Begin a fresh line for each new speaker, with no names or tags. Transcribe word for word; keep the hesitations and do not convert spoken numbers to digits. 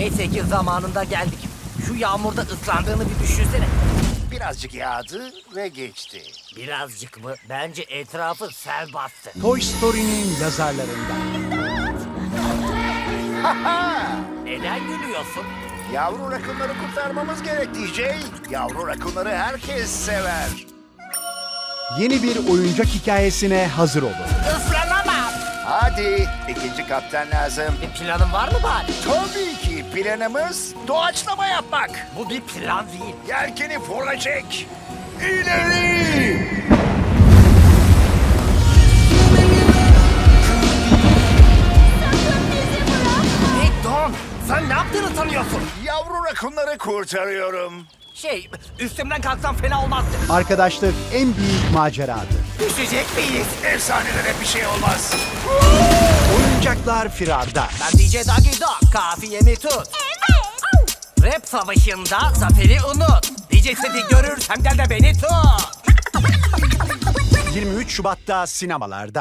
Neyse ki zamanında geldik. Şu yağmurda ıslandığını bir düşünsene.
Birazcık yağdı ve geçti.
Birazcık mı? Bence etrafı sel bastı.
Toy Story'nin yazarlarından.
Neden gülüyorsun?
Yavru rakunları kurtarmamız gerek D J. Yavru rakunları herkes sever.
Yeni bir oyuncak hikayesine hazır olun.
Islanamam.
Hadi ikinci kaptan lazım.
Bir planın var mı bari?
Tabii ki planımız doğaçlama yapmak.
Bu bir plan değil.
Yelkeni fırla çek. İleri!
Hey Don, sen ne yaptığını sanıyorsun?
Yavru rakunları kurtarıyorum.
Şey, üstümden kalksam fena olmazdı.
Arkadaşlık en büyük maceradır.
Düşecek miyiz?
Efsanelere bir şey olmaz.
Oyuncaklar firarda.
Ben D J Doggy Dog, kafiyemi tut. Rap savaşında zaferi unut. D J Seti görürsem gel de beni tut.
yirmi üç Şubat'ta sinemalarda.